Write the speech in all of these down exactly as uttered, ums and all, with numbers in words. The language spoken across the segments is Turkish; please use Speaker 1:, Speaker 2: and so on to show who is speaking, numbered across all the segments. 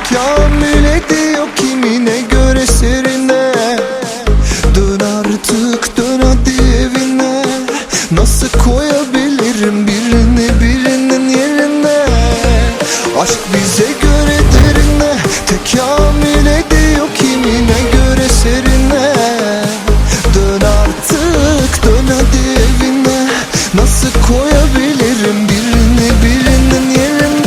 Speaker 1: Tekamül ediyor kimine göre serine. Dön artık dön hadi evine. Nasıl koyabilirim birini birinin yerine? Aşk bize göre derine. Tekamül ediyor kimine göre serine. Dön artık dön hadi evine. Nasıl koyabilirim birini birinin yerine?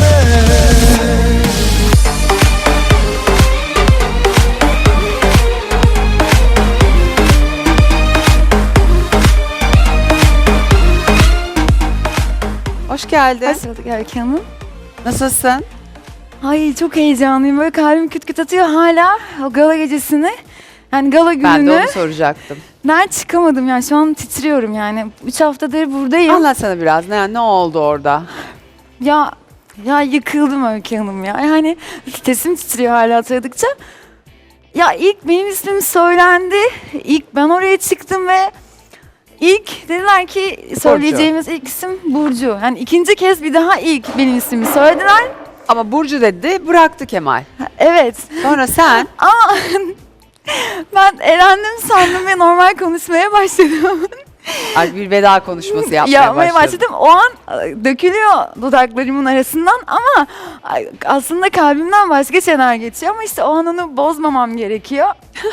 Speaker 2: Hoş geldin.
Speaker 3: Hoş bulduk Öykü Hanım.
Speaker 2: Nasılsın?
Speaker 3: Ay çok heyecanlıyım. Böyle kalbim küt küt atıyor hala o gala gecesini. Yani gala gününü.
Speaker 2: Ben de onu soracaktım.
Speaker 3: Ben çıkamadım yani şu an titriyorum yani. Üç haftadır buradayım.
Speaker 2: Anlatsana biraz ne, ne oldu orada?
Speaker 3: Ya ya yıkıldım Öykü Hanım ya. Yani sesim titriyor hala hatırladıkça. Ya ilk benim ismim söylendi. İlk ben oraya çıktım ve ilk dediler ki söyleyeceğimiz ilk isim Burcu. Yani ikinci kez bir daha ilk benim ismimi söylediler.
Speaker 2: Ama Burcu dedi, bıraktı Kemal.
Speaker 3: Evet.
Speaker 2: Sonra sen
Speaker 3: Ama ben elendim sandım ve normal konuşmaya başladım.
Speaker 2: ay, bir veda konuşması yapmaya,
Speaker 3: Yapmaya
Speaker 2: başladın.
Speaker 3: başladım. O an e, dökülüyor dudaklarımın arasından ama ay, aslında kalbimden başka şeyler geçiyor ama işte o an onu bozmamam gerekiyor.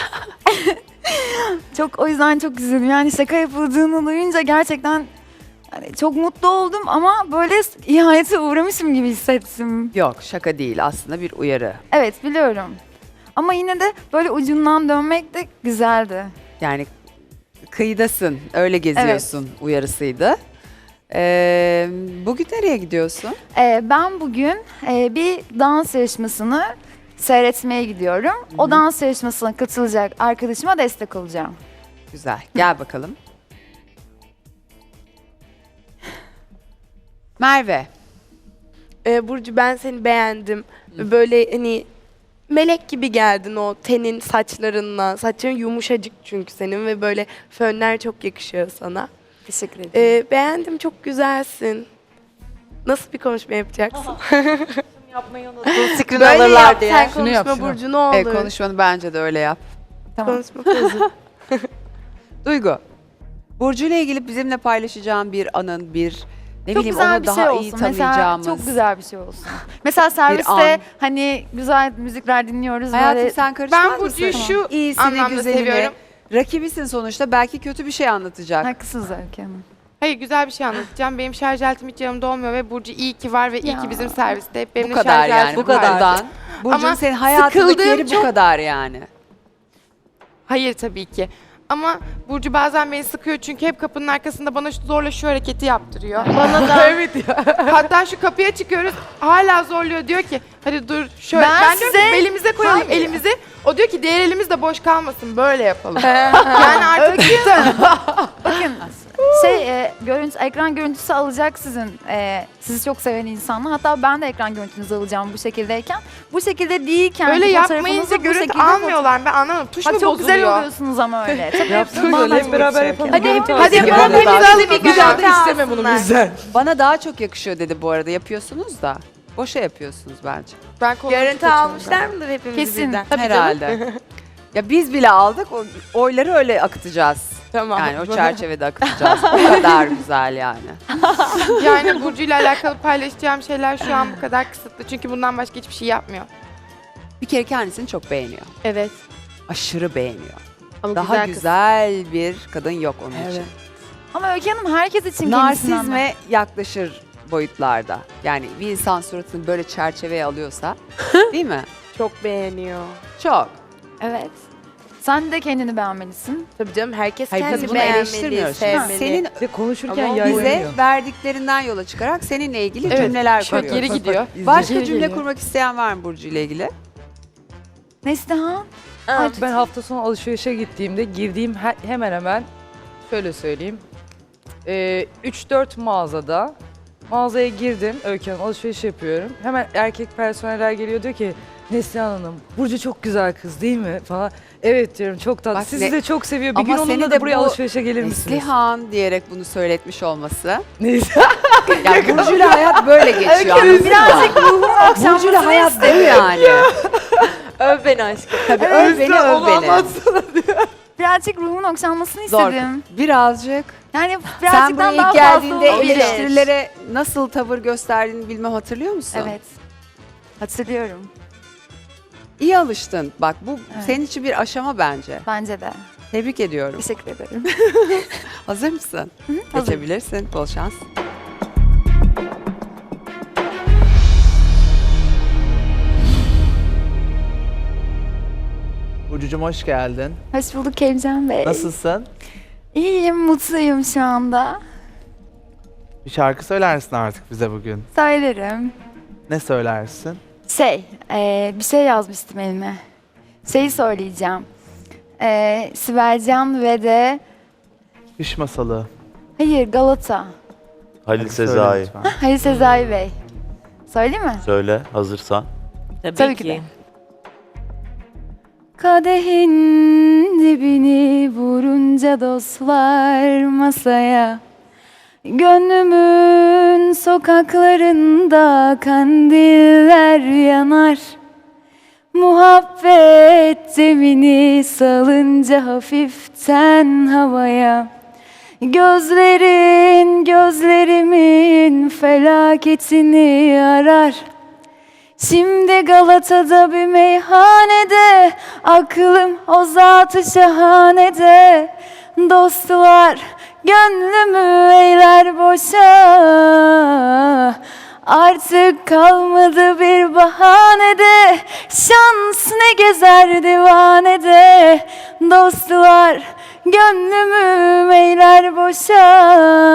Speaker 3: Çok o yüzden çok üzüldüm. Yani şaka yapıldığını duyunca gerçekten yani çok mutlu oldum ama böyle ihanete uğramışım gibi hissettim.
Speaker 2: Yok, şaka değil, aslında bir uyarı.
Speaker 3: Evet biliyorum. Ama yine de böyle ucundan dönmek de güzeldi.
Speaker 2: Yani kıyıdasın, öyle geziyorsun uyarısıydı. Ee, bugün nereye gidiyorsun?
Speaker 3: Ee, ben bugün e, bir dans yarışmasını seyretmeye gidiyorum. O dans yarışmasına katılacak arkadaşıma destek olacağım.
Speaker 2: Güzel, gel bakalım. Merve,
Speaker 4: Ee, Burcu ben seni beğendim. Böyle hani melek gibi geldin o tenin saçlarınla. Saçların yumuşacık çünkü senin ve böyle fönler çok yakışıyor sana.
Speaker 3: Teşekkür ederim.
Speaker 4: Ee, beğendim, çok güzelsin. Nasıl bir konuşma yapacaksın?
Speaker 5: Screen
Speaker 4: Böyle
Speaker 5: alırlar
Speaker 4: yap
Speaker 5: diye.
Speaker 4: sen
Speaker 5: Şunu yap,
Speaker 4: konuşma
Speaker 5: şunu.
Speaker 4: Burcu ne olur.
Speaker 2: e, konuşmanı bence de öyle yap.
Speaker 3: Tamam.
Speaker 4: Konuşma pozu.
Speaker 2: Duygu, Burcu ile ilgili bizimle paylaşacağın bir anın, bir ne
Speaker 3: Çok
Speaker 2: bileyim
Speaker 3: güzel
Speaker 2: onu
Speaker 3: bir
Speaker 2: daha
Speaker 3: şey
Speaker 2: iyi
Speaker 3: olsun. Mesela
Speaker 2: tanıyacağımız.
Speaker 3: çok güzel bir şey olsun. Mesela serviste
Speaker 2: an.
Speaker 3: hani güzel müzikler dinliyoruz
Speaker 2: Hayatım
Speaker 3: böyle.
Speaker 2: sen karışmaz
Speaker 5: Ben Burcu'yu
Speaker 2: mısın?
Speaker 5: şu
Speaker 2: İyisini,
Speaker 5: anlamda
Speaker 2: güzelini,
Speaker 5: seviyorum.
Speaker 2: rakibisin sonuçta, belki kötü bir şey anlatacak.
Speaker 3: Haklısınız Öykü Hanım.
Speaker 5: Hayır, güzel bir şey anlatacağım. Benim şarj aletim hiç yanımda olmuyor ve Burcu iyi ki var ve iyi
Speaker 3: Ya.
Speaker 5: ki bizim serviste. Hep
Speaker 2: Bu
Speaker 5: benimle
Speaker 2: kadar
Speaker 5: şarj
Speaker 2: yani.
Speaker 5: aletim
Speaker 2: Bu
Speaker 5: var.
Speaker 2: kadardan. Burcu'nun
Speaker 5: Ama
Speaker 2: senin hayatındaki
Speaker 5: sıkıldığım
Speaker 2: yeri bu
Speaker 5: çok-
Speaker 2: kadar yani.
Speaker 5: Hayır tabii ki. Ama Burcu bazen beni sıkıyor çünkü hep kapının arkasında bana şu- zorla şu hareketi yaptırıyor. Bana da. Evet ya. Hatta şu kapıya çıkıyoruz hala zorluyor, diyor ki hadi dur şöyle.
Speaker 3: Ben
Speaker 5: Ben, diyorum ki
Speaker 3: size-
Speaker 5: belimize koyalım
Speaker 3: Hayır.
Speaker 5: elimizi. O diyor ki diğer elimiz de boş kalmasın, böyle yapalım. Yani artık
Speaker 3: Bakın şey e, görüntü, ekran görüntüsü alacak sizin e, sizi çok seven insanlar. Hatta ben de ekran görüntünüzü alacağım bu şekildeyken. Bu şekilde değilken
Speaker 5: öyle
Speaker 3: fotoğrafınızı
Speaker 5: yapmayınca
Speaker 3: bu
Speaker 5: görüntü
Speaker 3: şekilde
Speaker 5: almıyorlar. Ben anlamadım. Tuş
Speaker 3: Bak
Speaker 5: mu
Speaker 3: çok
Speaker 5: bozuluyor?
Speaker 3: güzel oluyorsunuz ama öyle. Tabii
Speaker 6: Yapsın
Speaker 3: bundan
Speaker 6: böyle hep beraber yapalım.
Speaker 3: Hadi hep
Speaker 5: Hadi yapalım,
Speaker 2: Bana
Speaker 5: hepimiz
Speaker 2: daha-
Speaker 5: alıp bir daha da isteme bunu bizden.
Speaker 2: Bana daha çok yakışıyor dedi bu arada, yapıyorsunuz da. Boşa yapıyorsunuz bence.
Speaker 5: Ben kolumu
Speaker 4: Görüntü
Speaker 5: tutuyorum
Speaker 4: almışlar mıdır hepimiz
Speaker 3: Kesin.
Speaker 4: birden?
Speaker 2: Herhalde. Ya biz bile aldık, o oyları öyle akıtacağız.
Speaker 4: Tamam.
Speaker 2: Yani o çerçevede akıtacağız. O kadar güzel yani.
Speaker 5: ben. Yani Burcu ile alakalı paylaşacağım şeyler şu an bu kadar kısıtlı. Çünkü bundan başka hiçbir şey yapmıyor.
Speaker 2: Bir kere kendisini çok beğeniyor.
Speaker 5: Evet.
Speaker 2: Aşırı beğeniyor.
Speaker 5: Ama
Speaker 2: Daha
Speaker 5: kız.
Speaker 2: güzel, bir kadın yok onun için.
Speaker 3: Ama Öykü Hanım herkes için kendisinden
Speaker 2: Narsizme yaklaşır boyutlarda. Yani bir insan suratını böyle çerçeveye alıyorsa, değil mi?
Speaker 4: Çok beğeniyor.
Speaker 2: Çok.
Speaker 3: Evet. Sen de kendini beğenmelisin.
Speaker 4: Tabii canım herkes
Speaker 2: Hayır, biz
Speaker 4: kendini
Speaker 2: bunu
Speaker 4: beğenmeli,
Speaker 2: eleştirmiyoruz.
Speaker 4: sevmeli.
Speaker 2: Senin
Speaker 6: Bir de konuşurken
Speaker 4: Ama
Speaker 6: yayınlıyor.
Speaker 2: bize verdiklerinden yola çıkarak seninle ilgili
Speaker 5: Evet,
Speaker 2: cümleler
Speaker 5: çok
Speaker 2: kuruyoruz.
Speaker 5: geri gidiyor.
Speaker 2: Başka
Speaker 5: Geri
Speaker 2: cümle
Speaker 5: geliyor.
Speaker 2: kurmak isteyen var mı Burcu ile ilgili?
Speaker 3: Neslihan.
Speaker 4: Aa,
Speaker 6: Ben hafta sonu alışverişe gittiğimde girdiğim he- hemen hemen şöyle söyleyeyim. Ee, üç dört mağazada mağazaya girdim. Öykü Hanım alışveriş yapıyorum. Hemen erkek personeller geliyor, diyor ki Neslihan Hanım, Burcu çok güzel kız değil mi falan. Evet diyorum, çok tatlı.
Speaker 2: Bak
Speaker 6: Sizi
Speaker 2: ne-
Speaker 6: de çok seviyor. Bir
Speaker 2: Ama
Speaker 6: gün
Speaker 2: seni
Speaker 6: onunla
Speaker 2: de
Speaker 6: da buraya
Speaker 2: bu
Speaker 6: alışverişe gelir misiniz?
Speaker 2: Neslihan diyerek bunu söyletmiş olması.
Speaker 6: Neyse.
Speaker 2: Yani Burcu'yla hayat böyle geçiyor. anladın mı?
Speaker 3: Birazcık ruhumun
Speaker 2: Burcu'yla
Speaker 3: okşanmasını
Speaker 2: hayat
Speaker 3: istedim.
Speaker 2: değil yani.
Speaker 5: Öv beni aşkım.
Speaker 2: Tabii öv beni öv beni.
Speaker 3: Birazcık ruhumun okşanmasını
Speaker 2: Zor.
Speaker 3: istedim.
Speaker 2: Birazcık.
Speaker 3: Yani
Speaker 2: Sen
Speaker 3: birazcık
Speaker 2: buraya
Speaker 3: daha
Speaker 2: ilk
Speaker 3: fazla
Speaker 2: geldiğinde
Speaker 3: olabilir.
Speaker 2: eleştirilere nasıl tavır gösterdiğini bilmem hatırlıyor musun?
Speaker 3: Evet. Hatırlıyorum.
Speaker 2: İyi alıştın. Bak bu
Speaker 3: Evet.
Speaker 2: senin için bir aşama bence.
Speaker 3: Bence de.
Speaker 2: Tebrik ediyorum.
Speaker 3: Teşekkür ederim.
Speaker 2: Hazır mısın?
Speaker 3: hazırım.
Speaker 2: Geçebilirsin. Bol şans.
Speaker 7: Burcucuğum hoş geldin.
Speaker 3: Hoş bulduk Kevcan Bey.
Speaker 7: Nasılsın?
Speaker 3: İyiyim, mutluyum şu anda.
Speaker 7: Bir şarkı söylersin artık bize bugün.
Speaker 3: Söylerim.
Speaker 7: Ne söylersin?
Speaker 3: Şey, eee, bir şey yazmıştım elime. Şeyi söyleyeceğim. Eee Sibelcan ve de...
Speaker 7: Kış masalı.
Speaker 3: Hayır, Galata.
Speaker 8: Halil
Speaker 7: Hadi söyle
Speaker 8: Sezai.
Speaker 7: lütfen.
Speaker 3: Halil Sezai Bey. Söyleyeyim mi?
Speaker 8: Söyle hazırsan.
Speaker 9: Tabii,
Speaker 3: Tabii
Speaker 9: ki.
Speaker 3: ki de. Kadehin dibini vurunca dostlar masaya, gönlümün sokaklarında kandiller yanar. Muhabbet zemini salınca hafiften havaya, gözlerin gözlerimin felaketini arar. Şimdi Galata'da bir meyhanede, aklım o zat-ı şahanede. Dostlar gönlümü eyler boşa, artık kalmadı bir bahanede. Şans ne gezer divanede, dostlar gönlümü eyler boşa.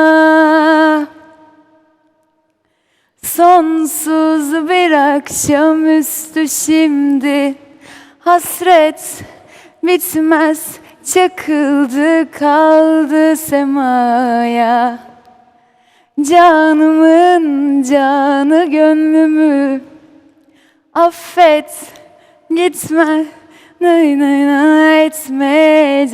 Speaker 3: Sonsuz bir akşamüstü şimdi, hasret bitmez, çakıldı kaldı semaya. Canımın canı gönlümü affet, gitme, nay nay nay etme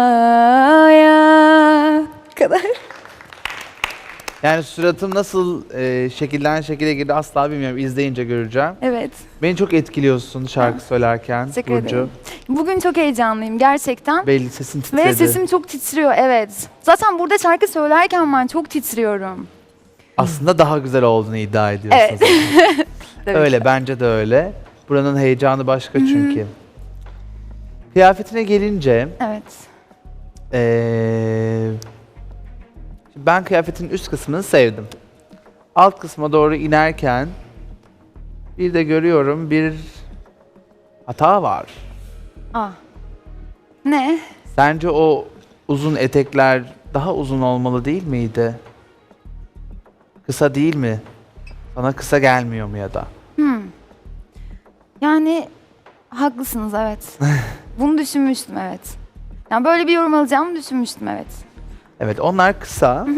Speaker 3: cefaya. Bu kadar.
Speaker 7: Yani suratım nasıl e, şekilden şekile girdi asla bilmiyorum. İzleyince göreceğim.
Speaker 3: Evet.
Speaker 7: Beni çok etkiliyorsun şarkı söylerken
Speaker 3: Teşekkür
Speaker 7: Burcu.
Speaker 3: ederim. Bugün çok heyecanlıyım gerçekten.
Speaker 7: Belli sesin titredi.
Speaker 3: Ve sesim çok titriyor, evet. Zaten burada şarkı söylerken ben çok titriyorum.
Speaker 7: Aslında daha güzel olduğunu iddia ediyorsun.
Speaker 3: Evet.
Speaker 7: sen.
Speaker 3: Tabii
Speaker 7: öyle
Speaker 3: ki.
Speaker 7: bence de öyle. Buranın heyecanı başka çünkü. Kıyafetine gelince
Speaker 3: Evet.
Speaker 7: Ee, ben kıyafetin üst kısmını sevdim. Alt kısma doğru inerken bir de görüyorum bir hata var.
Speaker 3: Ah. Ne?
Speaker 7: Sence o uzun etekler daha uzun olmalı değil miydi? Kısa değil mi? Sana kısa gelmiyor mu ya da?
Speaker 3: Hmm. Yani haklısınız, evet. Bunu düşünmüştüm, evet. Yani böyle bir yorum alacağımı düşünmüştüm, evet.
Speaker 7: Evet, onlar kısa.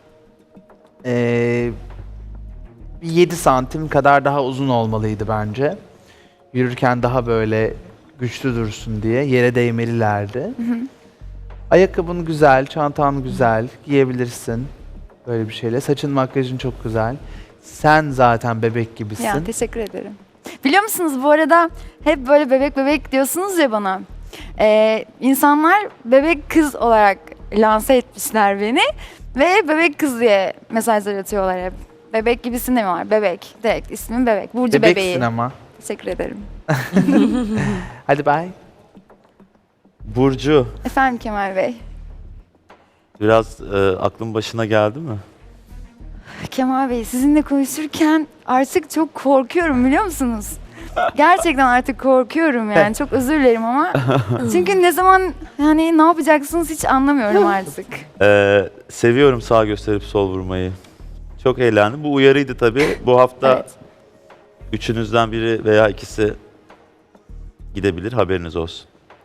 Speaker 7: Ee, bir yedi santim kadar daha uzun olmalıydı bence. Yürürken daha böyle güçlü dursun diye yere değmelilerdi. Ayakkabın güzel, çantan güzel, giyebilirsin böyle bir şeyle. Saçın, makyajın çok güzel. Sen zaten bebek gibisin.
Speaker 3: Ya teşekkür ederim. Biliyor musunuz bu arada hep böyle bebek bebek diyorsunuz ya bana. Ee, insanlar bebek kız olarak lanse etmişler beni. Ve bebek kız diye mesajlar atıyorlar hep. Bebek gibisin de mi var? Bebek. Direkt ismim Bebek. Burcu
Speaker 7: Bebeksin
Speaker 3: bebeği.
Speaker 7: ama.
Speaker 3: Teşekkür ederim.
Speaker 7: Hadi bye.
Speaker 8: Burcu,
Speaker 3: Efendim Kemal Bey.
Speaker 8: biraz e, aklın başına geldi mi?
Speaker 3: Kemal Bey sizinle konuşurken artık çok korkuyorum biliyor musunuz? Gerçekten artık korkuyorum yani. Çok özür dilerim ama. Çünkü ne zaman yani ne yapacaksınız hiç anlamıyorum artık.
Speaker 8: Ee, seviyorum sağ gösterip sol vurmayı. Çok eğlendim. Bu uyarıydı tabii. Bu hafta
Speaker 3: Evet.
Speaker 8: üçünüzden biri veya ikisi gidebilir. Haberiniz olsun.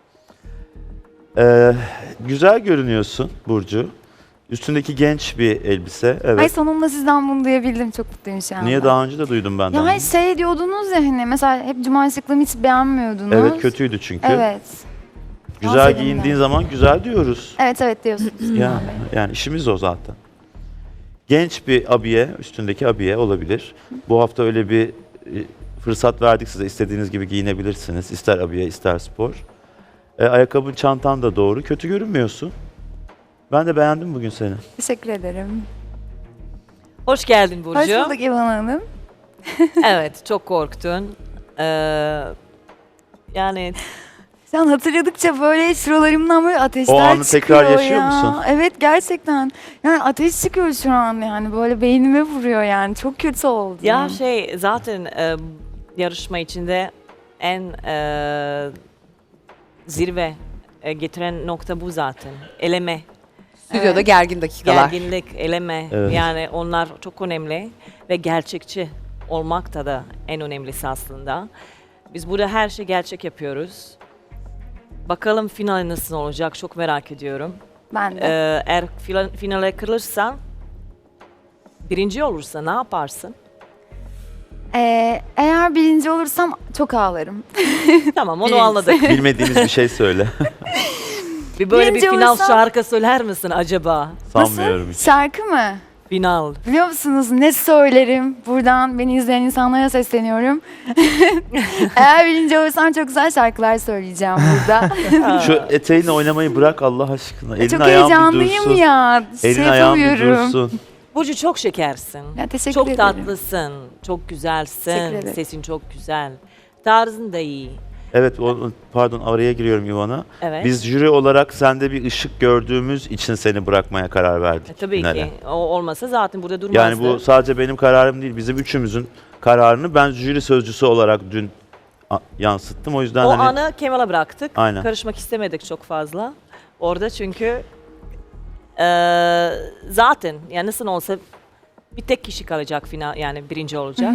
Speaker 8: Ee, güzel görünüyorsun Burcu. Üstündeki genç bir elbise. Evet.
Speaker 3: Ay sonunda sizden bunu duyabildim. Çok mutluyum şu anda.
Speaker 8: Niye daha önce de duydum benden?
Speaker 3: Ya hayır, şey diyordunuz ya hani mesela hep cuma şıklığımı hiç beğenmiyordunuz.
Speaker 8: Evet, kötüydü çünkü.
Speaker 3: Evet.
Speaker 8: Güzel
Speaker 3: Dans
Speaker 8: giyindiğin
Speaker 3: edin
Speaker 8: zaman güzel diyoruz.
Speaker 3: Evet evet diyorsunuz.
Speaker 8: Yani, yani işimiz o zaten. genç bir abiye, üstündeki abiye olabilir. Bu hafta öyle bir e, fırsat verdik size. İstediğiniz gibi giyinebilirsiniz. İster abiye, ister spor. E, ayakkabın, çantan da doğru. Kötü görünmüyorsun. Ben de beğendim bugün seni.
Speaker 3: Teşekkür ederim.
Speaker 9: Hoş geldin Burcu.
Speaker 3: Hoş bulduk İvan Hanım.
Speaker 9: Evet, çok korktun. Ee, yani
Speaker 3: Sen hatırladıkça böyle şuralarımdan böyle ateşler
Speaker 8: O anı
Speaker 3: çıkıyor
Speaker 8: tekrar yaşıyor
Speaker 3: ya.
Speaker 8: musun?
Speaker 3: Evet gerçekten. Yani ateş çıkıyor şu an yani böyle beynime vuruyor yani. Çok kötü oldu.
Speaker 9: ya şey zaten e, yarışma içinde en e, zirve e, getiren nokta bu zaten. Eleme,
Speaker 2: Stüdyoda
Speaker 3: Evet.
Speaker 2: gergin dakikalar.
Speaker 9: gerginlik, eleme.
Speaker 8: Evet.
Speaker 9: Yani onlar çok önemli ve gerçekçi olmak da da en önemlisi aslında. Biz burada her şey gerçek yapıyoruz. Bakalım final nasıl olacak çok merak ediyorum.
Speaker 3: Ben de.
Speaker 9: Ee, eğer fila- finale kırılırsan, birinci olursa ne yaparsın?
Speaker 3: Ee, eğer birinci olursam çok ağlarım.
Speaker 9: Tamam onu
Speaker 3: Birincisi.
Speaker 9: anladık.
Speaker 8: Bilmediğiniz bir şey söyle.
Speaker 9: Bir böyle
Speaker 3: Birinci
Speaker 9: bir final
Speaker 3: olursam-
Speaker 9: şarkı söyler misin acaba?
Speaker 8: Sanmıyorum hiç.
Speaker 3: Şarkı mı?
Speaker 9: Final.
Speaker 3: Biliyor musunuz ne söylerim? Buradan beni izleyen insanlara sesleniyorum. Eğer birinci olursam çok güzel şarkılar söyleyeceğim burada.
Speaker 8: Şu eteğinle oynamayı bırak Allah aşkına. Elin
Speaker 3: çok
Speaker 8: ayağın bir
Speaker 3: heyecanlıyım
Speaker 8: dursun.
Speaker 3: ya.
Speaker 8: Elin
Speaker 3: şey
Speaker 8: ayağın bir
Speaker 3: yapamıyorum.
Speaker 8: dursun.
Speaker 9: Burcu çok şekersin.
Speaker 3: Ya, teşekkür
Speaker 9: Çok
Speaker 3: ederim.
Speaker 9: tatlısın. Çok güzelsin.
Speaker 3: Teşekkür ederim.
Speaker 9: Sesin çok güzel. Tarzın da iyi.
Speaker 8: Evet, o, pardon araya giriyorum Ivana.
Speaker 9: Evet.
Speaker 8: Biz jüri olarak sende bir ışık gördüğümüz için seni bırakmaya karar verdik.
Speaker 9: E, tabii
Speaker 8: finale.
Speaker 9: ki. O olmasa zaten burada durmazdı.
Speaker 8: Yani bu sadece benim kararım değil, bizim üçümüzün kararını ben jüri sözcüsü olarak dün a- yansıttım. O yüzden
Speaker 9: O
Speaker 8: hani
Speaker 9: anı Kemal'a bıraktık.
Speaker 8: Aynen.
Speaker 9: Karışmak istemedik çok fazla. Orada çünkü eee, zaten yani nasıl olsa bir tek kişi kalacak final yani birinci olacak.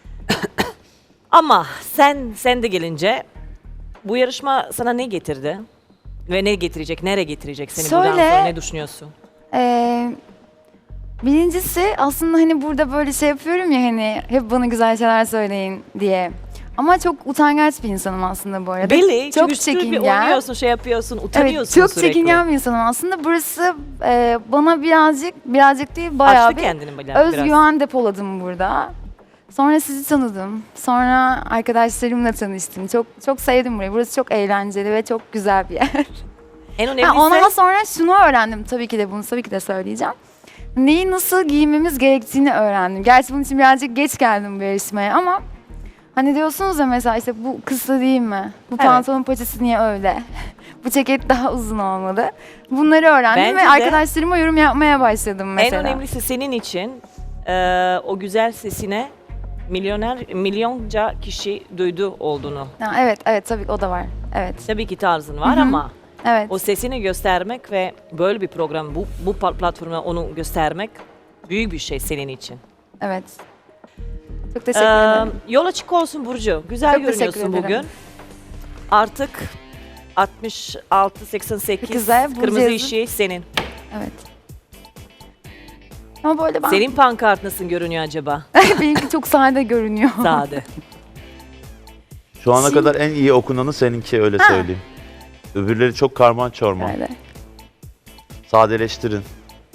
Speaker 9: Ama sen sen de gelince bu yarışma sana ne getirdi? Ve ne getirecek? Nereye getirecek seni buradan
Speaker 3: Şöyle-
Speaker 9: sonra ne düşünüyorsun?
Speaker 3: Ee, birincisi aslında hani burada böyle şey yapıyorum ya hani hep bana güzel şeyler söyleyin diye. Ama çok utangaç bir insanım aslında bu arada.
Speaker 9: Belli.
Speaker 3: Çok
Speaker 9: çünkü sürekli
Speaker 3: çekingen.
Speaker 9: oynuyorsun, şey yapıyorsun,
Speaker 3: Evet,
Speaker 9: utanıyorsun
Speaker 3: çok
Speaker 9: sürekli.
Speaker 3: çekingen bir insanım aslında. Burası e, bana birazcık, birazcık değil bayağı
Speaker 9: Açtı
Speaker 3: bir
Speaker 9: kendini biraz.
Speaker 3: özgüven depoladım burada. Sonra sizi tanıdım. Sonra arkadaşlarımla tanıştım. Çok çok sevdim burayı. Burası çok eğlenceli ve çok güzel bir yer.
Speaker 9: En
Speaker 3: Ha,
Speaker 9: önemlisi
Speaker 3: ondan sonra şunu öğrendim. Tabii ki de bunu tabii ki de söyleyeceğim. Neyi nasıl giymemiz gerektiğini öğrendim. Gerçi bunun için birazcık geç geldim bu yarışmaya ama hani diyorsunuz ya mesela işte bu kısa değil mi? Bu
Speaker 9: Evet.
Speaker 3: pantolon paçası niye öyle? Bu ceket daha uzun olmalı. Bunları öğrendim
Speaker 9: Bence
Speaker 3: ve
Speaker 9: de-
Speaker 3: arkadaşlarıma yorum yapmaya başladım mesela.
Speaker 9: en önemlisi senin için eee, o güzel sesine milyoner milyonca kişi duydu olduğunu.
Speaker 3: Ha, evet, evet tabii ki o da var. Evet,
Speaker 9: Tabii ki tarzın var
Speaker 3: Hı hı.
Speaker 9: ama
Speaker 3: evet,
Speaker 9: o sesini göstermek ve böyle bir program bu bu pa- platforma onu göstermek büyük bir şey senin için.
Speaker 3: evet. Çok teşekkür
Speaker 9: Eee,
Speaker 3: ederim.
Speaker 9: yol açık olsun Burcu. Güzel
Speaker 3: Çok teşekkür
Speaker 9: görünüyorsun
Speaker 3: ederim.
Speaker 9: bugün. Artık altmış altı seksen sekiz
Speaker 3: Güzel, Burcu
Speaker 9: kırmızı
Speaker 3: yazın.
Speaker 9: işi senin.
Speaker 3: Evet. Ama böyle ben...
Speaker 9: Senin pankart nasıl görünüyor acaba?
Speaker 3: Benimki çok sade görünüyor.
Speaker 9: Sade.
Speaker 8: şu ana
Speaker 3: Şimdi-
Speaker 8: kadar en iyi okunanı seninki öyle
Speaker 3: Ha.
Speaker 8: söyleyeyim. Öbürleri çok karman çorman.
Speaker 3: Öyle.
Speaker 8: Sadeleştirin.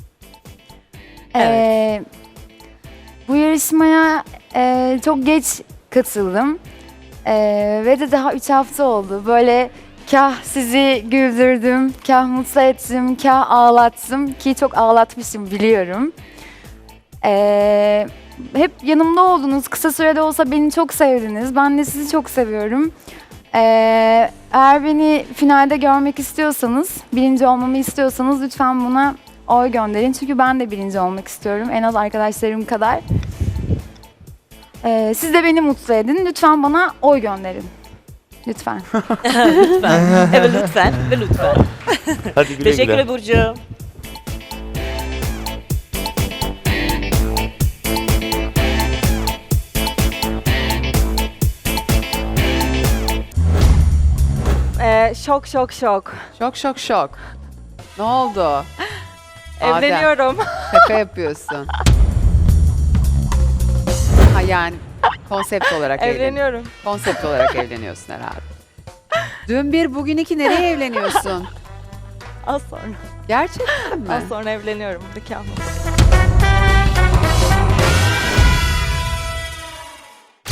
Speaker 3: Ee, bu yarışmaya e, çok geç katıldım. Ee, ve de daha üç hafta oldu. Böyle kah sizi güldürdüm, kah mutlu ettim, kah ağlattım. Ki çok ağlatmışım biliyorum. Ee, hep yanımda oldunuz. Kısa sürede olsa beni çok sevdiniz. Ben de sizi çok seviyorum. Ee, eğer beni finalde görmek istiyorsanız, birinci olmamı istiyorsanız lütfen buna oy gönderin. Çünkü ben de birinci olmak istiyorum. En az arkadaşlarım kadar. Ee, siz de beni mutlu edin. Lütfen bana oy gönderin. Lütfen.
Speaker 9: Lütfen. Evet lütfen ve lütfen.
Speaker 8: Hadi güle
Speaker 9: Teşekkür
Speaker 8: güle.
Speaker 9: ederim Burcu.
Speaker 10: Ee, şok şok şok.
Speaker 2: Şok şok şok. Ne oldu? Adem,
Speaker 10: Evleniyorum.
Speaker 2: şaka yapıyorsun. Ha yani konsept olarak evlen.
Speaker 10: Evleniyorum.
Speaker 2: Konsept olarak evleniyorsun herhalde. Dün bir bugün iki nereye evleniyorsun?
Speaker 10: Az sonra.
Speaker 2: Gerçekten mi?
Speaker 10: Az sonra evleniyorum. Nikahım.